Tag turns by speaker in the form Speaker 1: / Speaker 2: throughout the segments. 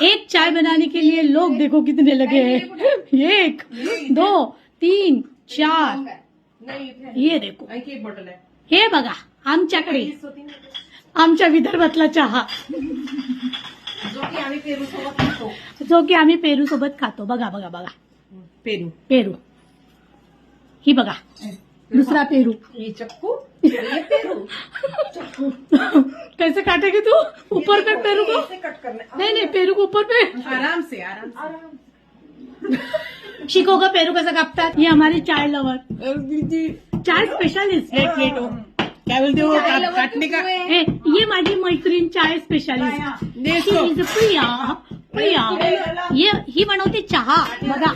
Speaker 1: एक चाय बनाने के लिए लोग देखो कितने लगे हैं। 1 2 3 4 ये देखो
Speaker 2: एक बॉटल आहे
Speaker 1: हे बघा आमच्याकडे आमच्या विदर्भातला चहा
Speaker 2: जो की आम्ही पेरू सोबत खातो.
Speaker 1: जो की आम्ही पेरू सोबत खातो. बघा बघा बघा
Speaker 2: पेरू
Speaker 1: पेरू ही बघा दूसरा पेरू.
Speaker 2: ये चक्कू ये पेरू चक्कू
Speaker 1: कैसे काटेगी तू ऊपर पे पेरू को
Speaker 2: ऐसे कट करना है.
Speaker 1: नहीं नहीं पेरू को ऊपर पे
Speaker 2: आराम से आराम से.
Speaker 1: शिकोगा पेरू कैसे कापतात. ये हमारी चाय लवर चाय स्पेशलिस्ट
Speaker 2: क्या बोलते हो काटने का
Speaker 1: ये माझी मैत्रीण चाय स्पेशलिस्ट
Speaker 2: देखो
Speaker 1: प्रिया प्रिया ये ही बनवते चहा बघा.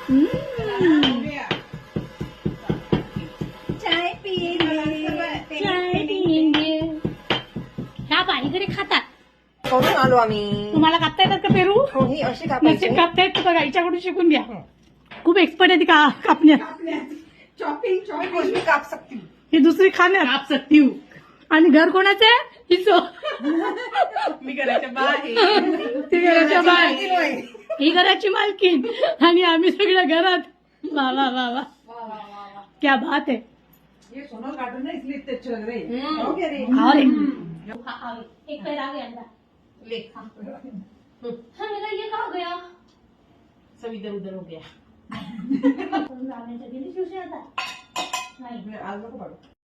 Speaker 2: चाय पिएंगे
Speaker 1: चाय पिएंगे. ह्या बाईकडे खातात.
Speaker 2: करून आलो आम्ही.
Speaker 1: तुम्हाला कापता येतात का पेरू.
Speaker 2: हो ही अशी
Speaker 1: नसेल
Speaker 2: कापायची
Speaker 1: कापता येत बघा हिच्याकडून शिकून घ्या. खूप एक्सपर्ट आहे ती कापण्यात.
Speaker 2: चॉपिंग चॉपिंग कुछ भी काप सकती हूँ.
Speaker 1: ही दुसरी खाण्यात
Speaker 2: काप सकती हूँ.
Speaker 1: आणि घर कोणाचं आहे हिचं.
Speaker 2: मी घराच्या बाहेर
Speaker 1: ती घराच्या बाहेर ही घराची मालकीन आणि आम्ही सगळ्या घरात. वा वा वा वा क्या बात है.
Speaker 2: ये सोनल गार्डन है इसलिए इतने अच्छे लग रहे हैं. हो गया रे.
Speaker 1: अरे एक पैर आ गया अंदर.
Speaker 2: ले
Speaker 1: हाँ मेरा ये कहाँ गया.
Speaker 2: सब इधर उधर हो गया.
Speaker 1: रामेच्या गेली शिवशी आता नाही
Speaker 2: आज नको पाडू.